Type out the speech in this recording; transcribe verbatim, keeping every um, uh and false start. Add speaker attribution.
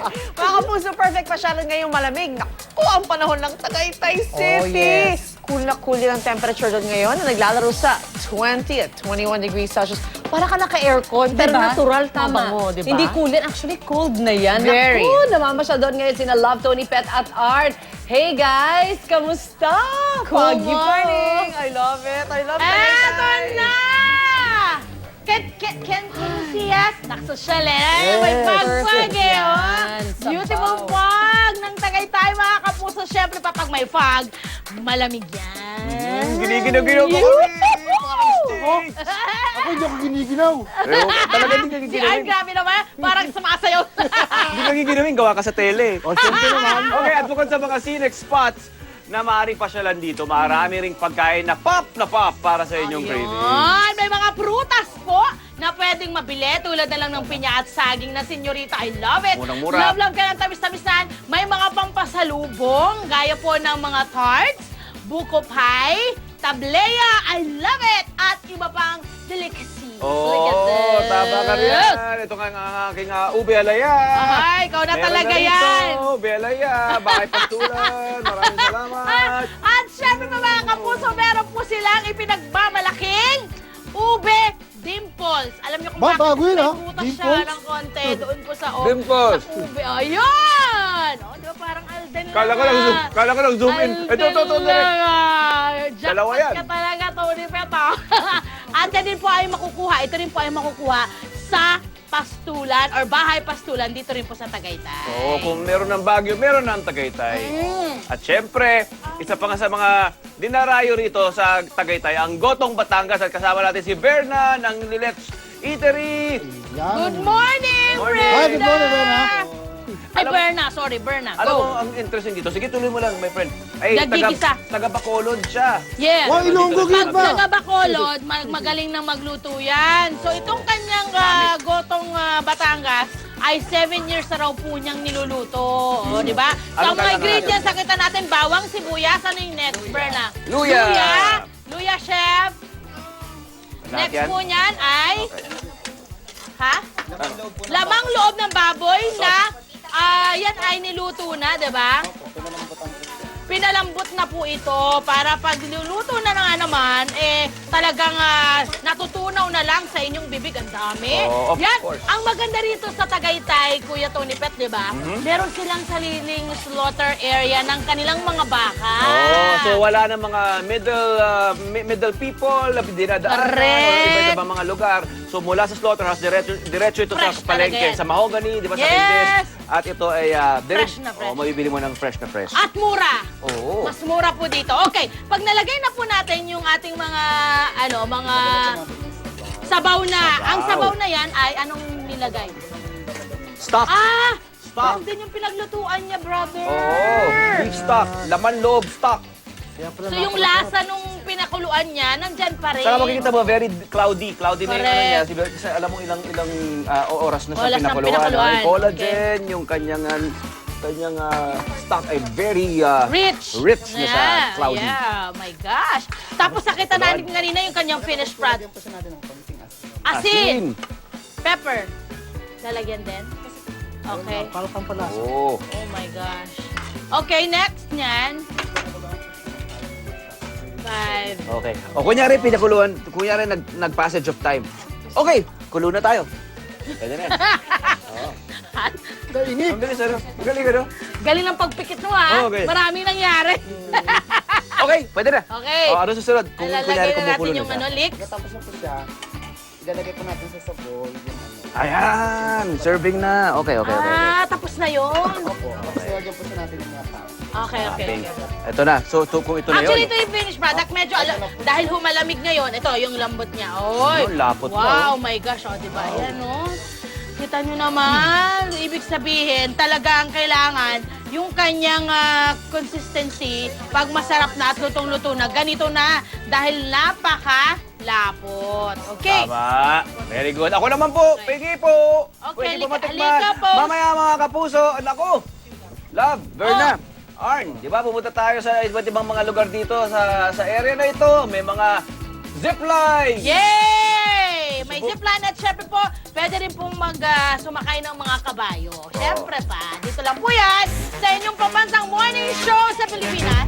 Speaker 1: Mga kapuso, perfect pasyalan ngayong malamig. Naku, ang panahon ng Tagaytay City.
Speaker 2: Oh, yes.
Speaker 1: Cool na cool yung temperature doon ngayon na naglalaro sa twenty at twenty-one degrees Celsius. Para ka naka-aircon, pero
Speaker 2: Diba?
Speaker 1: natural
Speaker 2: Tama.
Speaker 1: tama mo, di ba?
Speaker 2: Hindi cool yan. Actually, cold na yan.
Speaker 1: Very.
Speaker 2: Naku, namamasyal doon ngayon sina Love, Tony, Pet at Art. Hey guys, kamusta?
Speaker 1: Good
Speaker 2: Pagi pa.
Speaker 1: morning! I love it! I love it!
Speaker 3: Eto na! Can, can, can, can you see us? Nakasosyal eh. May
Speaker 2: Yes.
Speaker 3: fog-fog eh, oh.
Speaker 2: Yan, sabaw.
Speaker 3: Beautiful fog ng Tagaytay, mga kapuso. Siyempre, pa pag may fog, malamig yan.
Speaker 4: Giniginaw-ginaw ko
Speaker 3: Yoo!
Speaker 4: kami.
Speaker 5: Ako hindi ako giniginaw.
Speaker 4: Pero talaga hindi ka
Speaker 3: Si Art,
Speaker 4: giginawin.
Speaker 3: grabe naman. Parang sumasayaw.
Speaker 4: Hindi ka giginawin, gawa ka sa tele.
Speaker 5: O, siyempre naman.
Speaker 4: Okay, at bukod sa mga scenic spots na maaaring pasyalan dito, marami ring pagkain na pop na pop para sa inyong craving.
Speaker 3: Ayun, may mga prutas po na pwedeng mabili tulad na lang ng pinya at saging na senyorita. I love it.
Speaker 4: Murang-mura.
Speaker 3: Love, love ka ng tamis-tamisan. May mga pampasalubong, gaya po ng mga tarts, buko pie, tableya, I love it, at iba pang delicacy.
Speaker 4: Oo,
Speaker 3: Look at this.
Speaker 4: tama ka rin. Ito nga ang aking uh, ube alaya.
Speaker 3: Ay, ikaw na
Speaker 4: Meron
Speaker 3: talaga
Speaker 4: rito,
Speaker 3: yan.
Speaker 4: Ube alaya, bahay pastulan. Maraming salamat.
Speaker 3: At syempre pa mga kapuso, meron po silang ipinagmamalaking ube dimples. Alam niyo kung
Speaker 5: Ba,
Speaker 3: bakit
Speaker 5: bago yun,
Speaker 3: may
Speaker 5: ah.
Speaker 3: butas siya
Speaker 5: Dimples?
Speaker 3: ng konti doon po sa, o,
Speaker 4: Dimples.
Speaker 3: sa ube. Ayun! O, di ba parang Alden lang.
Speaker 4: Kala ko lang zoom, kala ko lang zoom in.
Speaker 3: Alden
Speaker 4: Ito, ito, ito, direct.
Speaker 3: lang, ah. Jackpot
Speaker 4: Dalawa yan.
Speaker 3: ka talaga, Tony Peto. At yan din po ay makukuha, ito rin po ay makukuha sa pastulan or bahay pastulan dito rin po sa Tagaytay.
Speaker 4: Oo, kung meron ng Baguio, meron ng Tagaytay.
Speaker 3: Mm.
Speaker 4: At syempre, isa pa nga sa mga dinarayo rito sa Tagaytay, ang Gotong Batangas. At kasama natin si Berna ng Lilet's Eatery.
Speaker 5: Yan.
Speaker 3: Good morning,
Speaker 4: Morning.
Speaker 3: Brenda!
Speaker 5: Hi, good morning, Berna.
Speaker 3: Ay,
Speaker 4: Alam-
Speaker 3: Berna. Sorry, Berna.
Speaker 4: Alam mo,
Speaker 3: Go.
Speaker 4: ang interesting dito, sige tuloy mo lang, my friend. Ay,
Speaker 3: Nagigisa.
Speaker 4: taga, taga Bacolod siya.
Speaker 3: Yes.
Speaker 5: Wow, Ilonggo
Speaker 3: Pag
Speaker 5: gid ba?
Speaker 3: taga Bacolod, mag magaling nang magluto yan. So, itong kanyang ah, gotong ah, Batangas ay seven years na raw po niyang niluluto. O, di ba? So,
Speaker 4: Anong
Speaker 3: ang mga
Speaker 4: kailangan
Speaker 3: ingredients, nakita natin, bawang, sibuyas. Ano yung next, Berna?
Speaker 4: Luya.
Speaker 3: Luya. Luya, chef.
Speaker 4: Lahat
Speaker 3: Next
Speaker 4: yan?
Speaker 3: po niyan ay... Ha? Lamang loob ng baboy na ah, yan ay niluto na, di ba? Pinalambot na po ito para pag niluluto na nga naman, eh, talagang ah, natutunaw na lang sa inyong bibig. Ang dami.
Speaker 4: Oh, of
Speaker 3: Yan,
Speaker 4: course.
Speaker 3: ang maganda rito sa Tagaytay, Kuya Tony Pet, di ba?
Speaker 4: Mm-hmm.
Speaker 3: Meron silang sariling slaughter area ng kanilang mga baka.
Speaker 4: Oh, so wala na mga middle uh, mi- middle people na dinadaanan o
Speaker 3: Correct.
Speaker 4: iba-iba mga lugar. So mula sa slaughterhouse, diretso, diretso ito
Speaker 3: Fresh
Speaker 4: sa palengke.
Speaker 3: talaga yan.
Speaker 4: Sa mahogany, di ba, sa
Speaker 3: Yes.
Speaker 4: Rindis. At ito ay uh,
Speaker 3: Fresh na fresh.
Speaker 4: Oh, mabibili mo ng fresh na fresh.
Speaker 3: At mura.
Speaker 4: Oo.
Speaker 3: Mas mura po dito. Okay, pag nalagay na po natin yung ating mga, ano, mga sabaw na. Ang sabaw na yan ay anong nilagay?
Speaker 4: Stock.
Speaker 3: Ah!
Speaker 4: Stock.
Speaker 3: Yan din yung pinaglutuan niya, brother.
Speaker 4: Oo. Beef stock. Laman loob stock.
Speaker 5: Kaya pala
Speaker 3: So yung lasa nung pinakuluan niya, nandyan pa rin.
Speaker 4: Saka makikita mo, very cloudy. Cloudy na yung ano niya.
Speaker 3: Correct.
Speaker 4: Kasi alam mo ilang ilang ah, oras na siya
Speaker 3: Oras ng
Speaker 4: pinakuluan.
Speaker 3: pinakuluan.
Speaker 4: Yung collagen, yung kanyang ah, kanyang ah, stock ay very ah,
Speaker 3: Rich.
Speaker 4: rich na siya.
Speaker 3: Yeah,
Speaker 4: Cloudy.
Speaker 3: Yeah, my gosh. Tapos nakita natin kanina yung kanyang finished product. Asin. Pepper. Lalagyan din? Okay.
Speaker 5: Para pampalasa.
Speaker 4: Oo.
Speaker 3: Oh my gosh. Okay, next niyan. Five.
Speaker 4: Okay. O kunyari pinakuluan, kunyari nag, nag-passage of time. Okay, kulo na tayo. Pwede na yan.
Speaker 3: At
Speaker 5: Kainit.
Speaker 4: Ang bilis, ano? Ang galing, ano?
Speaker 3: galing ng pagpikit mo ha.
Speaker 4: Okay.
Speaker 3: Maraming nangyari.
Speaker 4: Okay, pwede na.
Speaker 3: Okay.
Speaker 4: O, ano susunod? Kung kunyari
Speaker 3: Lalagay na
Speaker 4: kumukulo
Speaker 3: natin
Speaker 4: na
Speaker 3: yung
Speaker 4: siya.
Speaker 3: ano, leeks.
Speaker 5: Tapos na po siya. Ilalagay po natin sa sabon. Yung ano.
Speaker 4: Ayan, serving na. Okay, okay, okay. okay.
Speaker 3: Ah, tapos na yun.
Speaker 5: Opo. Tapos ilalagay po siya natin yung mga tao.
Speaker 3: Okay, okay.
Speaker 4: Okay.
Speaker 3: okay.
Speaker 4: Ito na. So, to, kung ito na
Speaker 3: Actually,
Speaker 4: yun.
Speaker 3: ito yung finished product. Medyo, ala- dahil humalamig ngayon, ito, yung lambot niya. Oy,
Speaker 4: Ano, lapot na,
Speaker 3: wow,
Speaker 4: oh.
Speaker 3: my gosh, oh, di ba? Yan, oh. Kita nyo naman, ibig sabihin, talagang kailangan yung kanyang ah, consistency, pag masarap na at lutong-luto na, ganito na, dahil napaka-lapot. Okay?
Speaker 4: Tama. Very good. Ako naman po. Pingi po.
Speaker 3: Okay,
Speaker 4: Pwede po
Speaker 3: halika-
Speaker 4: matikman.
Speaker 3: halika po.
Speaker 4: Mamaya mga kapuso. Nako. Love, Berna, Arn, di ba pumunta tayo sa iba't ibang mga lugar dito sa sa area na ito. May mga zipline.
Speaker 3: Yay! may zipline at syempre po, pwede rin pong mag, ah, sumakay ng mga kabayo. Syempre pa, dito lang po yan sa inyong pambansang morning show sa Pilipinas.